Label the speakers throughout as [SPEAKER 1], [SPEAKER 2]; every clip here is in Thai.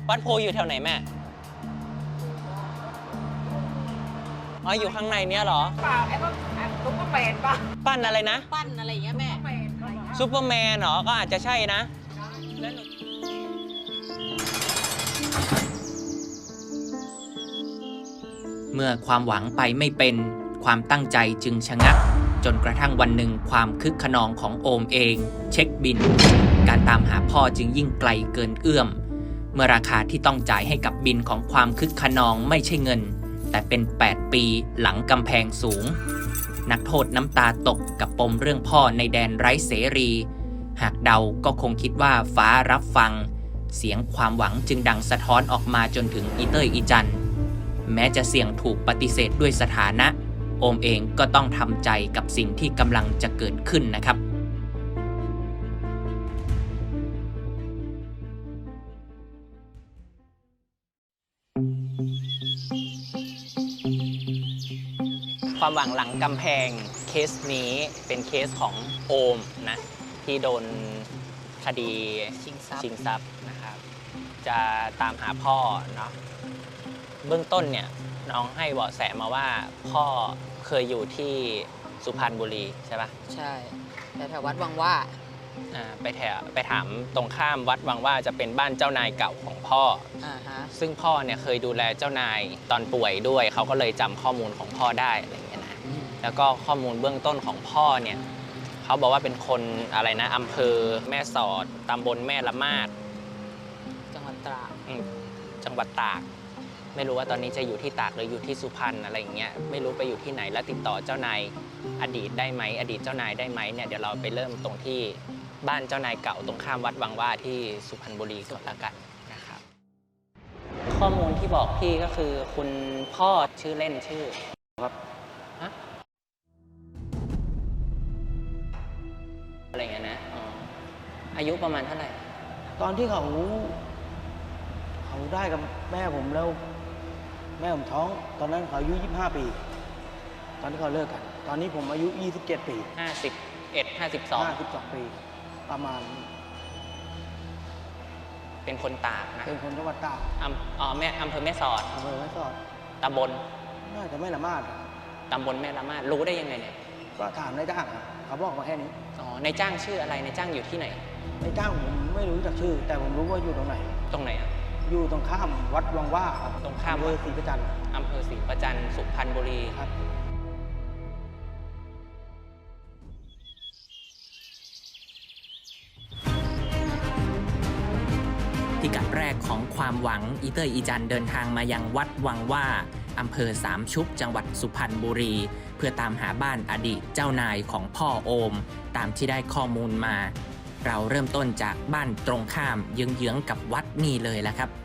[SPEAKER 1] วัดโพอยู่แถวไหนแม่อ๋ออยู่ข้างในเนี้ยเหรอ
[SPEAKER 2] เปล่าไอ้พวกซุปเปอร์แมนป่ะ
[SPEAKER 1] ปั้นอะไรนะ
[SPEAKER 3] ปั้นอะไรอย่างเงี้ยแม่
[SPEAKER 1] ซูเปอร์แมนเหรอก็อาจจะใช่นะ
[SPEAKER 4] เมื่อความหวังไปไม่เป็นความตั้งใจจึงชะงักจนกระทั่งวันหนึ่งความคึกขนองของโอมเองเช็คบินการตามหาพ่อจึงยิ่งไกลเกินเอื้อมเมื่อราคาที่ต้องจ่ายให้กับบินของความคึกขนองไม่ใช่เงินแต่เป็น8 ปีหลังกำแพงสูงนักโทษน้ำตาตกกับปมเรื่องพ่อในแดนไร้เสรีหากเดาก็คงคิดว่าฟ้ารับฟังเสียงความหวังจึงดังสะท้อนออกมาจนถึงอีเตอร์อีจันแม้จะเสี่ยงถูกปฏิเสธด้วยสถานะโอมเองก็ต้องทำใจกับสิ่งที่กำลังจะเกิดขึ้นนะครับ
[SPEAKER 1] ความหวังหลังกำแพงเคสนี้เป็นเคสของโอมนะที่โดนคดีชิงทรัพย์นะครับจะตามหาพ่อเนาะเบื้องต้นเนี่ยน้องให้เบาะแสมาว่าพ่อเคยอยู่ที่สุพรรณบุรีใช่ปะ
[SPEAKER 3] ใช่แต่แถววัดวังว่า
[SPEAKER 1] ไปถามตรงข้ามวัดวังว่าจะเป็นบ้านเจ้านายเก่าของพ่อซึ่งพ่อเนี่ยเคยดูแลเจ้านายตอนป่วยด้วยเขาก็เลยจำข้อมูลของพ่อได้อะไรอย่างเงี้ยนะแล้วก็ข้อมูลเบื้องต้นของพ่อเนี่ยเขาบอกว่าเป็นคนอะไรนะอำเภอแม่สอดตำบลแม่ละมาด
[SPEAKER 3] จังหวัดตราด
[SPEAKER 1] จังหวัดตากไม่รู้ว่าตอนนี้จะอยู่ที่ตากหรืออยู่ที่สุพรรณอะไรอย่างเงี้ยไม่รู้ไปอยู่ที่ไหนแล้วติดต่อเจ้านายอดีตได้ไหมอดีตเจ้านายได้ไหมเนี่ยเดี๋ยวเราไปเริ่มตรงที่บ้านเจ้านายเก่าตรงข้ามวัดวังว่าที่สุพรรณบุรีก่อนละกันนะครับข้อมูลที่บอกพี่ก็คือคุณพ่อชื่อเล่นชื่อครับอะไรเงี้ยนะอายุประมาณเท่าไหร่
[SPEAKER 5] ตอนที่เขาได้กับแม่ผมแล้วแม่ผมท้องตอนนั้นเขาอายุ25 ปีตอนที่เขาเลิกกันตอนนี้ผมอายุ27 ปี52 ปีประมาณ
[SPEAKER 1] เป็นคนตากนะ
[SPEAKER 5] เป็นคนจังหวัดตาก
[SPEAKER 1] อำเภอแม่สอดตำบล
[SPEAKER 5] น่าจะแม่ละมาด
[SPEAKER 1] ตำบลแม่ละมาดรู้ได้ยังไงเนี่ย
[SPEAKER 5] ก็ถามนายจ้างเขาบอกมาแค่นี้
[SPEAKER 1] นายจ้างชื่ออะไรนายจ้างอยู่ที่ไหน
[SPEAKER 5] นายจ้างผมไม่รู้จักชื่อแต่ผมรู้ว่าอยู่ตรงไหน
[SPEAKER 1] ตรงไหนอ่ะ
[SPEAKER 5] อยู่ตรงข้ามวัดวังว่าครับ
[SPEAKER 1] ตรงข้าม
[SPEAKER 5] อำเภอศรีประจัน
[SPEAKER 1] อำเภอศรีประจันสุพรรณบุรี
[SPEAKER 5] ครับ
[SPEAKER 4] พิกัดแรกของความหวังอีเตอร์อีจันเดินทางมายังวัดวังว่าอำเภอสามชุกจังหวัดสุพรรณบุรีเพื่อตามหาบ้านอดีตเจ้านายของพ่อโอมตามที่ได้ข้อมูลมาเราเริ่มต้นจากบ้านตรงข้ามเยื้องๆกับวัดนี่เลยแหละครับ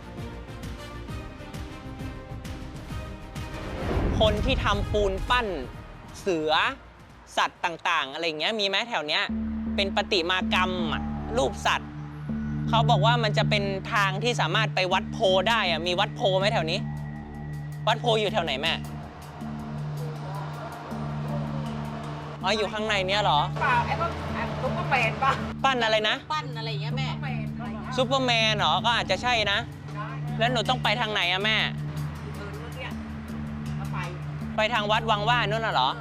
[SPEAKER 1] คนที่ทำปูนปั้นเสือสัตว์ต่างๆอะไรเงี้ยมีไหมแถวเนี้ยเป็นประติมากรรมรูปสัตว์เขาบอกว่ามันจะเป็นทางที่สามารถไปวัดโพได้อะมีวัดโพไหมแถวนี้วัดโพอยู่แถวไหนแม่อ๋ออยู่ข้างในเนี้ยเหรอ
[SPEAKER 2] เปล่าไอ้พวกซุปเปอร์แมนป่ะ
[SPEAKER 1] ปั้นอะไรนะ
[SPEAKER 3] ปั้นอะไรอย่างเงี้ยแม่
[SPEAKER 1] ซูเปอร์แมนเหรอก็อาจจะใช่นะแล้วหนูต้องไปทางไหนอะแม่ไปทางวัดวังว่านู่นน่ะเหรอ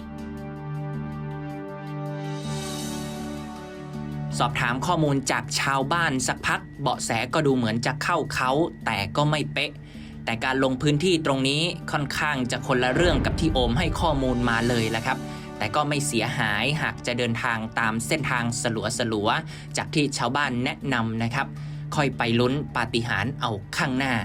[SPEAKER 4] สอบถามข้อมูลจากชาวบ้านสักพักเบาะแสก็ดูเหมือนจะเข้าเขาแต่ก็ไม่เป๊ะแต่การลงพื้นที่ตรงนี้ค่อนข้างจะคนละเรื่องกับที่โอมให้ข้อมูลมาเลยแหละครับแต่ก็ไม่เสียหายหากจะเดินทางตามเส้นทางสลัวๆจากที่ชาวบ้านแนะนำนะครับค่อยไปลุ้นปาฏิหาริย์เอาข้างหน้า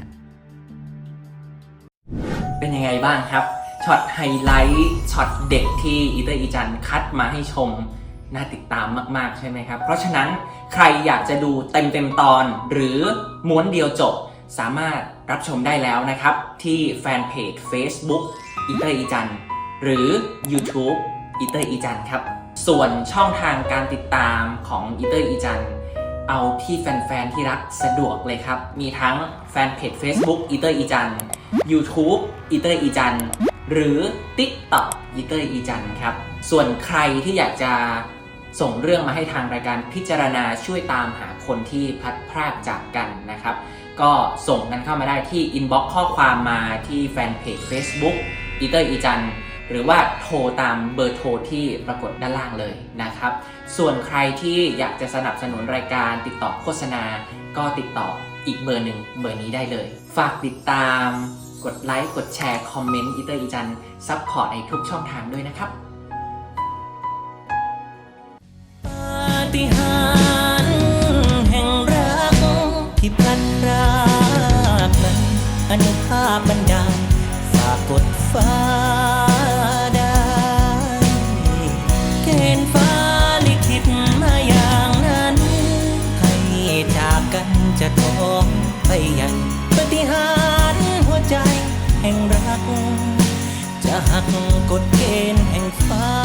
[SPEAKER 4] เป็นยังไงบ้างครับช็อตไฮไลท์ช็อตเด็กที่อีเตอร์อีจันคัดมาให้ชมน่าติดตามมากๆใช่ไหมครับเพราะฉะนั้นใครอยากจะดูเต็มตอนหรือม้วนเดียวจบสามารถรับชมได้แล้วนะครับที่แฟนเพจ Facebook อีเตอร์อีจันหรือ YouTube อีเตอร์อีจันครับส่วนช่องทางการติดตามของอีเตอร์อีจันเอาที่แฟนๆที่รักสะดวกเลยครับมีทั้งแฟนเพจ Facebook อีเตอร์อีจัน YouTube อีเตอร์อีจันหรือ TikTok อีเตอร์อีจันครับส่วนใครที่อยากจะส่งเรื่องมาให้ทางรายการพิจารณาช่วยตามหาคนที่พลัดพรากจากกันนะครับก็ส่งกันเข้ามาได้ที่อินบ็อกซ์ข้อความมาที่แฟนเพจ Facebook อีเตอร์อีจันหรือว่าโทรตามเบอร์โทรที่ปรากฏด้านล่างเลยนะครับส่วนใครที่อยากจะสนับสนุนรายการติดต่อโฆษณาก็ติดต่ออีกเบอร์หนึ่งเบอร์นี้ได้เลยฝากติดตามกดไลค์กดแชร์คอมเมนต์อีเตอร์อีจันซัพพอร์ตในทุกช่องทางด้วยนะครับปาฏิหาริย์แห่งรักที่พลันพรากนั้นอนุภาพบันดาลฝากกดฟ้าได้เกณฑ์ฟ้าลิขิตมาอย่างนั้นให้จากกันจะท้องไปยังปาฏิหาริย์หัวใจแห่งรักจะหักกฎเกณฑ์แห่งฟ้า